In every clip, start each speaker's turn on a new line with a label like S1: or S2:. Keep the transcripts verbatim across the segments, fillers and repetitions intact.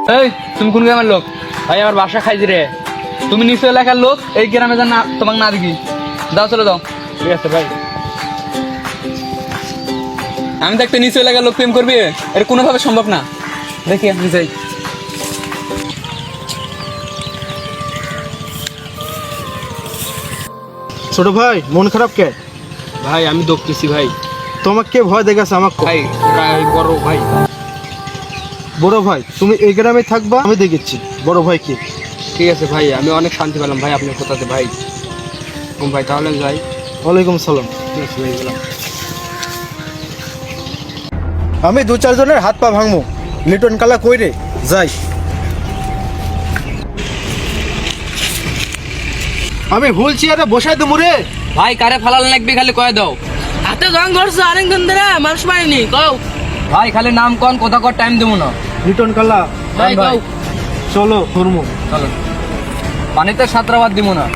S1: এই তুমি কোন গ্রামের লোক? ভাই আমার বাসা খাইছি রে। তুমি নিচু এলাকার লোক, এই গ্রামে যেন না তোমাকে না দেখি। দাও চলে দাও।
S2: ঠিক আছে ভাই।
S1: আমি তো একটা নিচু এলাকার লোক প্রেম করবি, এর কোনোভাবে সম্ভব না। দেখি আমি যাই।
S2: ছোট ভাই মন খারাপ কে?
S1: ভাই আমি দৌড়তেছি ভাই।
S2: তোমাকে কে ভয় দেখাচ্ছে আমাকে?
S1: ভাই ভাই বড় ভাই।
S2: বড় ভাই তুমি এই গ্রামে থাকবা, আমি দেখেছি বড় ভাই কে।
S1: ঠিক আছে ভাই, আমি অনেক শান্তি পেলাম ভাই আপনার কথাতে ভাই। কম ভাই তাহলে আমি যাই।
S2: ওয়ালাইকুম সালাম।
S1: ঠিক আছে ভাই, গেলাম।
S2: আমি দু চারজনের হাত পা ভাঙবো, লিটন কালা কই রে? যাই। আমি হুইল চেয়ারে বসাই দেবো রে।
S1: ভাই কারে ফালাল লাগবে খালি কয়ে দাও।
S3: হাতে জং ধরছে অনেকদিন ধরে মানুষ পায়নি কও।
S1: ভাই খালি নাম কোন কথা কর, টাইম দেবো না।
S2: লিটন কালা
S3: ভাই
S2: ভাই,
S3: কও।
S2: চলো ধর্ম।
S1: চলো, পানিতে সাঁতরাবাদ দিব না।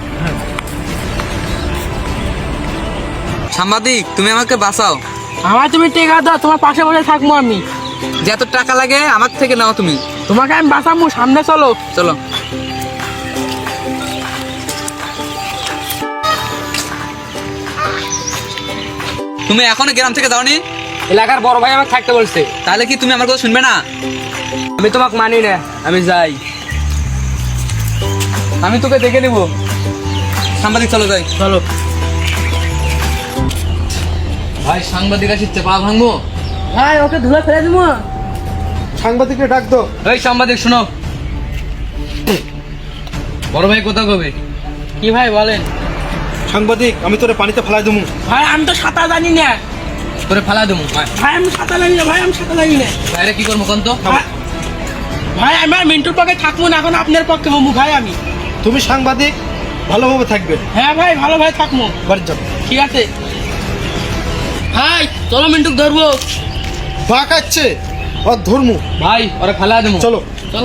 S1: সাংবাদিক তুমি আমাকে বাঁচাও।
S3: আমার তুমি টেকা দাও, তোমার পাশে বসে থাকবো আমি।
S1: যত টাকা লাগে আমার থেকে নাও তুমি।
S3: তোমাকে আমি বাঁচাবো, সামনে চলো।
S1: চলো। তুমি এখনো গ্রাম থেকে যাওনি?
S3: এলাকার বড় ভাই আমাকে থাকতে বলছে।
S1: তাহলে কি তুমি আমার কথা শুনবে না?
S3: আমি তোমাকে মানি না, আমি যাই।
S1: আমি তোকে দেখে নিব। সাংবাদিক চলো যাই।
S3: চলো
S1: ভাই সাংবাদিক আসছে, পা ভাঙবো।
S3: ভাই, ওকে ধুলে ফেলে দিব।
S2: সাংবাদিককে ডাক দো।
S1: এই সাংবাদিক শোনো, বড় ভাই কথা কবে?
S3: কি ভাই বলেন?
S2: সাংবাদিক আমি তোরে পানিতে ফেলাই দেবো।
S3: ভাই আমি তো সাঁতার জানি না।
S1: তোরে ফালা দেবো।
S3: ভাই আমি সাঁতার জানি না, ভাই আমি সাঁতার জানি না।
S1: ভাইরে কি করবো কোন তো?
S3: ভাই- ভাই আমার মিন্টুর পক্ষে থাকবো না, এখন আপনার পক্ষে হবো ভাই আমি।
S2: তুমি সাংবাদিক ভালোভাবে থাকবে।
S3: হ্যাঁ ভাই, ভালো ভাই থাকবো।
S2: বাড়ি যাবো।
S3: ঠিক আছে ভাই, চলো মিন্টুক ধরবো।
S2: বাঁকাচ্ছে আর ধর্ম।
S1: ভাই ওরে ফালা দেবো।
S2: চলো।
S3: চলো।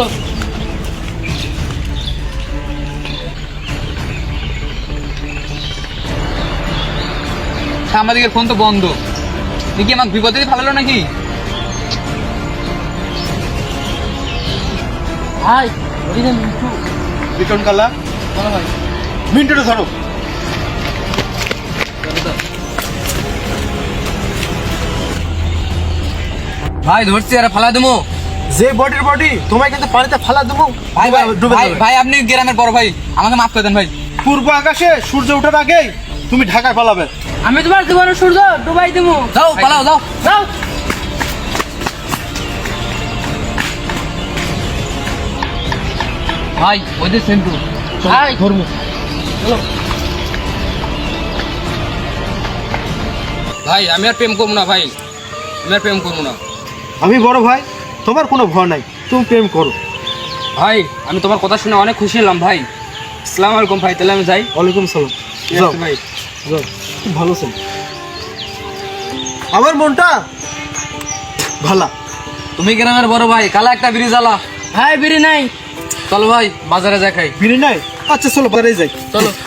S1: সাংবাদিকের ফোন তো বন্ধ। দেখি আমাকে বিপদে দিয়ে ফালালো নাকি?
S3: ভাই ওই যে মিন্টু।
S2: লিটন কালা
S3: চলো ভাই।
S2: মিনিটে ধরো।
S1: ভাই ধরছি আর ফালা দেবো।
S2: যে বডির বডি তোমায় কিন্তু পানিতে ফালা দেবো।
S1: ভাই ভাই
S2: ডুবে
S1: ভাই
S2: যাবে।
S1: ভাই আপনি গ্রামের বড় ভাই, আমাকে মাফ করে দেন ভাই।
S2: পূর্ব আকাশে সূর্য ওঠার আগেই তুমি ঢাকায় পালাবে।
S3: আমি তোমার জীবনে সূর্য ডুবাই দেবো।
S1: যাও পালাও, যাও
S3: যাও।
S1: ভাই ওদের সেন্টু।
S3: ভাই
S2: ধর্ম।
S1: ভাই আমি আর প্রেম করবো না ভাই, আমি আর প্রেম করবো না।
S2: আমি বড় ভাই, তোমার কোনো ভয় নাই, তুমি প্রেম করো।
S1: ভাই আমি তোমার কথা শুনে অনেক খুশি হলাম ভাই। আসসালামু আলাইকুম ভাই, তাহলে আমি যাই।
S2: ওয়ালাইকুম সালাম।
S1: ঠিক
S2: যাও
S1: আছে ভাই।
S2: যাও, খুব ভালো ছিল আমার মনটা ভালা।
S1: তুমি গ্রামের বড় ভাই, কালা একটা ব্রিজ আলা।
S3: ভাই বিড়ি নাই।
S1: চলো ভাই বাজারে যা খাই।
S2: বিড়ি নাই? আচ্ছা চলো বাজারে যাই।
S3: চলো।